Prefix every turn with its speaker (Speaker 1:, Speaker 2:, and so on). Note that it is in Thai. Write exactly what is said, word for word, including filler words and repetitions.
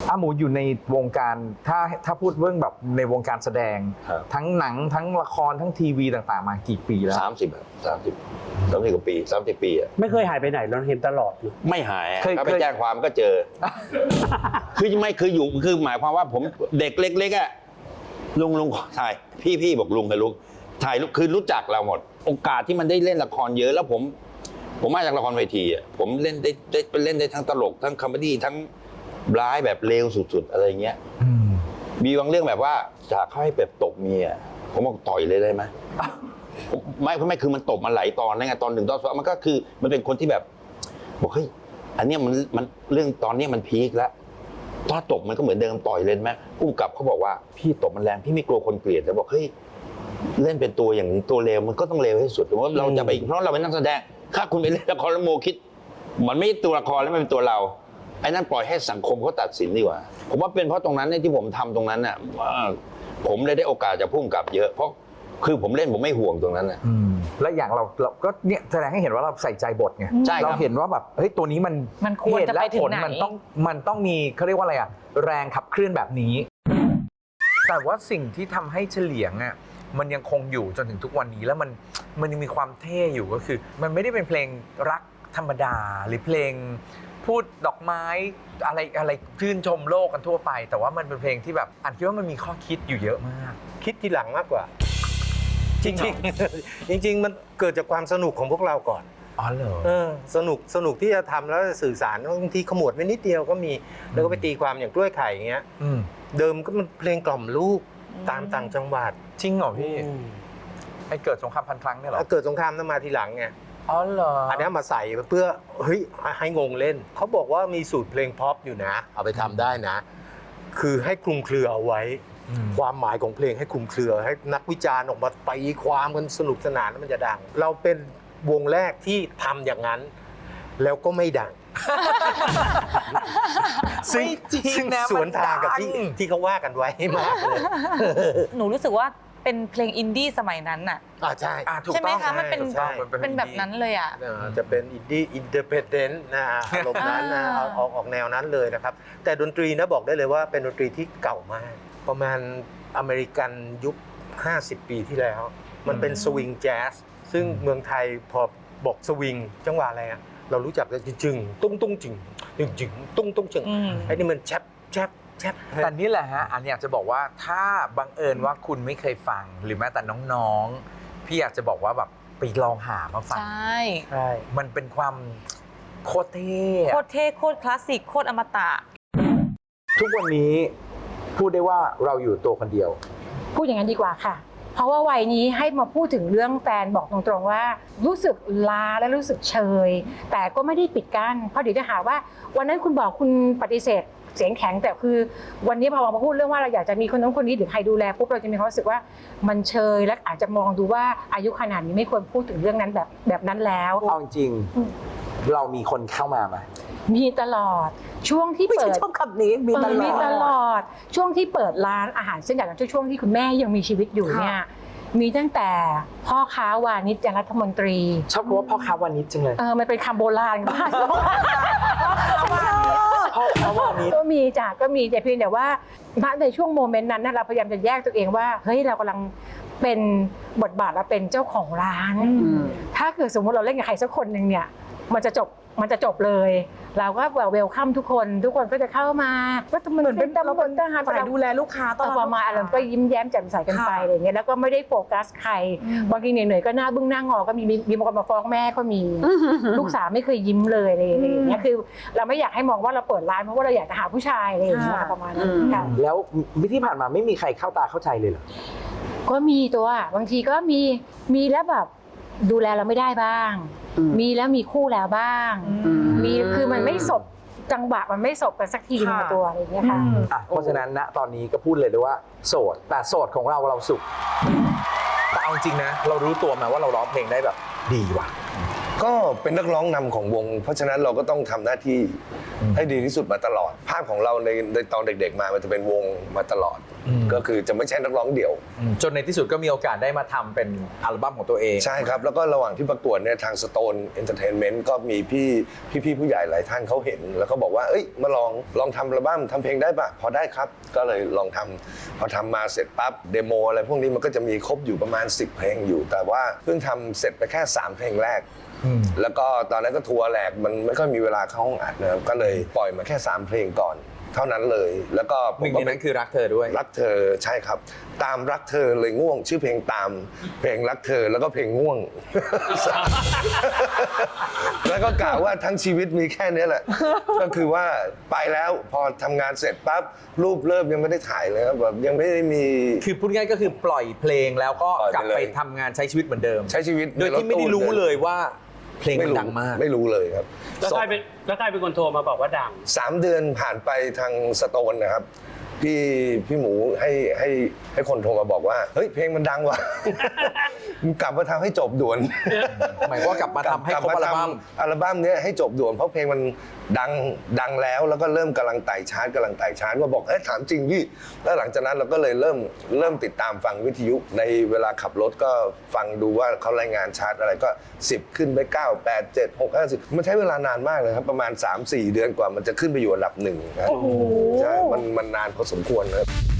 Speaker 1: อาหมูอยู่ในวงการถ้าถ้าพูดเรื่องแบบในวงการแสดงทั้งหนังทั้งละครทั้งทีวีต่างๆมากี่ปีแล้ว
Speaker 2: สามสิบสามสิบสามสิบกว่าปีสามสิบปีอ่ะ
Speaker 3: ไม่เคยหายไปไหนเราเห็นตลอดอยู่
Speaker 2: ไม่หายถ้าไปแจ้งความก็เจอคือไม่คืออยู่คือหมายความว่าผมเด็กเล็กๆอ่ะลุงลุงถ่ายพี่พี่บอกลุงกับลุงถ่ายคือรู้จักเราหมดโอกาสที่มันได้เล่นละครเยอะแล้วผมผมมาจากละครเวทีอ่ะผมเล่นได้ได้เล่นได้ทั้งตลกทั้งคอมเมดี้ทั้งร้ายแบบเลวสุดๆอะไรเงี้ยมีบางเรื่องแบบว่าจากเขาให้แบบตบเมียผมบอกต่อยเลยได้ไหมไม่ไม่คือมันตบมันไหลตอนนั่นไงตอนหนึ่งตอนสองมันก็คือมันเป็นคนที่แบบบอกเฮ้ยอันเนี้ยมันมันเรื่องตอนนี้มันพีคแล้วถ้าตบมันก็เหมือนเดิมต่อยเลยไหมผู้กำกับเขาบอกว่าพี่ตบมันแรงพี่ไม่กลัวคนเกลียดแต่บอกเฮ้ยเล่นเป็นตัวอย่างนี้ตัวเลวมันก็ต้องเลวให้สุดเพราะเราจะไปเพราะเราเป็นนักแสดงถ้าคุณไปเล่นละครแล้วโมคิดมันไม่ตัวละครแล้วมันเป็นตัวเราไอ้นั่นปล่อยให้สังคมเขาตัดสินดีกว่าผมว่าเป็นเพราะตรงนั้นเนี่ยที่ผมทำตรงนั้นน่ะผมเลยได้โอกาสจากผู้กำกับเยอะเพราะคือผมเล่นผมไม่ห่วงตรงนั้นน่ะ
Speaker 1: และอย่างเราเราก็เนี่ยแสดงให้เห็นว่าเราใส่ใจบทไงเราเห็นว่าแบบเฮ้ยตัวนี้มัน
Speaker 4: มันควรจะไปถึงไหน
Speaker 1: มันต้องมันต้องมีเขาเรียกว่าอะไรอะแรงขับเคลื่อนแบบนี้แต่ว่าสิ่งที่ทำให้เฉลียงอะมันยังคงอยู่จนถึงทุกวันนี้แล้วมันมันยังมีความเท่อยู่ก็คือ มันไม่ได้เป็นเพลงรักธรรมดาหรือเพลงพูดดอกไม้อะไรอะไรชื่นชมโลกกันทั่วไปแต่ว่ามันเป็นเพลงที่แบบอันคิดว่ามันมีข้อคิดอยู่เยอะมาก
Speaker 3: คิดทีหลังมากกว่าจริงจริงจริงมันเกิดจากความสนุกของพวกเราก่อน
Speaker 1: อ๋อเหรอ
Speaker 3: เออสนุกสนุกที่จะทำแล้วสื่อสารบางทีขมวดไว้นิดเดียวก็มีแล้วก็ไปตีความอย่างกล้วยไข่อย่างเงี้ยเดิมก็มันเพลงกล่อมลูกตามต่างจังหวัด
Speaker 1: จริงเหรอพี่ไอเกิดสงครามพันครั้งเนี่ยหรอ
Speaker 3: เกิดสงครามนั้นมาทีหลังไง
Speaker 1: อ๋อเหรอ
Speaker 3: อันนี้มาใส่เพื่อเฮ้ยให้งงเล่นเขาบอกว่ามีสูตรเพลงพ็อปอยู่นะเอาไปทำได้นะคือให้คลุมเครือเอาไว้ความหมายของเพลงให้คลุมเครือให้นักวิจารณ์ออกมาตีความกันสนุกสนานแล้วมันจะดังเราเป็นวงแรกที่ทำอย่างนั้นแล้วก็ไม่ดังซึ่งสวนทางกับที่ที่เขาว่ากันไว้มากเลย
Speaker 4: หนูรู้สึกว่าเป็นเพลงอินดี้สมัยนั้นน่ะ
Speaker 3: อ่าใช่
Speaker 4: ใช่ไหมคะมันเป็นเป็นแบบนั้นเลยอ่ะ
Speaker 3: จะเป็นอินดี้อินเดเพนเดนต์นะอารมณ์นั้นนะออกออกแนวนั้นเลยนะครับแต่ดนตรีนะบอกได้เลยว่าเป็นดนตรีที่เก่ามากประมาณอเมริกันยุคห้าสิบปีที่แล้วมันเป็นสวิงแจ๊สซึ่งเมืองไทยพอบอกสวิงจังหวะอะไรอะเรารู้จักแต่จึงตุ้งตุ้งจึงจึงจึงตุ้งตุ้งจึงไอ้นี่มันแชปแชปแชป
Speaker 1: แต่นี่แหละฮะอันอยากจะบอกว่าถ้าบังเอิญว่าคุณไม่เคยฟังหรือแม้แต่น้องๆพี่อยากจะบอกว่าแบบไปลองหามาฟัง
Speaker 4: ใช่
Speaker 3: ใช่
Speaker 1: มันเป็นความโคตรเท่
Speaker 4: โคตรเท่โคตรคลาสสิกโคตรอมตะ
Speaker 1: ทุกวันนี้พูดได้ว่าเราอยู่ตัวคนเดียว
Speaker 5: พูดอย่างนั้นดีกว่าค่ะเพราะว่าวัยนี้ให้มาพูดถึงเรื่องแฟนบอกตรงๆว่ารู้สึกลาและรู้สึกเชยแต่ก็ไม่ได้ปิดกั้นเพราะเดี๋ยวจะหาว่าวันนั้นคุณบอกคุณปฏิเสธเสียงแข็งแต่คือวันนี้พอมาพูดเรื่องว่าเราอยากจะมีคนนั้นคนนี้หรือใครดูแลปุ๊บเราจะมีความรู้สึกว่ามันเชยและอาจจะมองดูว่าอายุขนาดนี้ไม่ควรพูดถึงเรื่องนั้นแบบแบบนั้นแล้ว
Speaker 1: เอาจริงเรามีคนเข้ามาไหม
Speaker 5: มีตลอดช่วงที่เปิด
Speaker 4: ชอบคำนี้มีตลอด
Speaker 5: มีตลอดช่วงที่เปิดร้านอาหารเส้นใหญ่ช่วงที่คุณแม่ยังมีชีวิตอยู่เนี่ยมีตั้งแต่พ่อค้าวานิชยังรัฐมนตรี
Speaker 1: ชอบว่าพ่อค้าวานิชจังเลย
Speaker 5: เออมันเป็นคำโบราณมาก
Speaker 1: พ่อค้าวานิช
Speaker 5: ก็มีจ้ะก็มีแต่เพียงแต่ว่าในช่วงโมเมนต์นั้นเราพยายามจะแยกตัวเองว่าเฮ้ยเรากำลังเป็นบทบาทเราเป็นเจ้าของร้านถ้าเกิดสมมติเราเล่นกับใครสักคนหนึ่งเนี่ยมันจะจบมันจะจบเลยเราก็เวลคัมทุกคนทุกคนก็จะเข้ามาก็เหมือนเป็นเราเป็นทหาร
Speaker 4: ฝ่ายดูแลลูกค้าตลอด
Speaker 5: ประมาณอะไรก็ยิ้มแย้มแจ่มใสกันไปอะไรเงี้ยแล้วก็ไม่ได้โฟกัสใครบางทีเหนื่อยๆก็หน้าบึ้งหน้างอก็มีมีบางคนมาฟ้องแม่ก็มีลูกสาวไม่เคยยิ้มเลยอะไรอย่างเงี้ยคือเราไม่อยากให้มองว่าเราเปิดร้านเพราะว่าเราอยากจะหาผู้ชายอะไรอย่างเงี้ยประมาณนั้นค่ะ
Speaker 1: แล้วที่ผ่านมาไม่มีใครเข้าตาเข้าใจเลยเหรอ
Speaker 5: ก็มีตัวบางทีก็มีมีแล้วแบบดูแลเราไม่ได้บ้างมีแล้วมีคู่แล้วบ้างมีคือมันไม่สบจังหวะมันไม่สบกันสักทีในตัวอะไรอย่างเงี้ยค่ะ
Speaker 1: เพราะฉะนั้นณตอนนี้ก็พูดเลยเลยว่าโสดแต่โสดของเราเราสุขแต่เอาจริงนะเรารู้ตัวมาว่าเราร้องเพลงได้แบบดีว่ะ
Speaker 6: ก็เป็นนักร้องนำของวงเพราะฉะนั้นเราก็ต้องทำหน้าที่ให้ดีที่สุดมาตลอด ภาพของเราในในตอนเด็กๆมามันจะเป็นวงมาตลอด ก็คือจะไม่ใช่นักร้องเดี่ยว
Speaker 1: จนในที่สุดก็มีโอกาสได้มาทำเป็นอัลบั้มของตัวเอง
Speaker 6: ใช่ครับ แล้วก็ระหว่างที่ประกวดเนี่ยทาง Stone Entertainment ก็มีพี่พี่ๆผู้ใหญ่หลายท่านเขาเห็น แล้วก็บอกว่าเอ้ยมาลองลองทำอัลบั้มทำเพลงได้ปะพอได้ครับ ก็เลยลองทำพอทำมาเสร็จปั๊บเดโมอะไรพวกนี้มันก็จะมีครบอยู่ประมาณสิบเพลงอยู่ แต่ว่าเพิ่งทำเสร็จไปแค่สามเพลงแรก แล้วก็ตอนนั้นก็ทัวร์แหลกมันไม่ค่อยมีเวลาเข้าห้องอัดนะครับก็เลยปล่อยมาแค่สามเพลงก่อน เท่านั้นเลย แล้วก็ผ
Speaker 1: หนึ่
Speaker 6: ม
Speaker 1: ง
Speaker 6: ก็
Speaker 1: ในนั้นคือรักเธอด้วย
Speaker 6: รักเธอใช่ครับ ตามรักเธอเลยง่วง ชื่อเพลงตามเพลงรักเธอแล้วก็เพลงง่วง แล้วก็กล่าวว่าทั้งชีวิตมีแค่นี้แหละ ก็คือว่าไปแล้วพอทำงานเสร็จปั๊บรูปเริ่มยังไม่ได้ถ่ายเลยครับแบบยังไม่ได้มี
Speaker 1: คือพูดง่ายๆก็คือปล่อยเพลงแล้วก็
Speaker 6: ปล่อย
Speaker 1: กลับ
Speaker 6: ไปเลย
Speaker 1: ไปทำงานใช้ชีวิตเหมือนเดิม
Speaker 6: ใช้ชีวิต
Speaker 1: โดยที่ไม่ได้รู้เลยว่าเพลงมันดังมาก
Speaker 6: ไม่รู้เลยครับ
Speaker 7: แล้วใครเป็นแล้วใครเป็นคนโทรมาบอกว่าดัง
Speaker 6: สามเดือนผ่านไปทางสโตนนะครับ พี่พี่หมูให้ให้ให้คนโทรมาบอกว่าเฮ้ยเพลงมันดังว่ะ มึงกลับมาทำให้จบด่วน
Speaker 1: หมายความว่ากลับมาทำให้ครบอัลบั้ม
Speaker 6: อัลบั้มเนี้ยให้จบด่วนเพราะเพลงมันดังดังแล้วแล้วก็เริ่มกำลังไต่ชาร์ตกำลังไต่ชาร์ตว่าบอกเอ้ยถามจริงพี่แล้วหลังจากนั้นเราก็เลยเริ่มเริ่มติดตามฟังวิทยุในเวลาขับรถก็ฟังดูว่าเขารายงานชาร์ตอะไรก็สิบขึ้นไปเก้า แปด เจ็ด หก ห้า สิบมันใช้เวลานานมากเลยครับประมาณ สาม สี่ เดือนกว่ามันจะขึ้นไปอยู่อันดับหนึ่งนะครับใช่มันมันนานพอสมควรนะครับ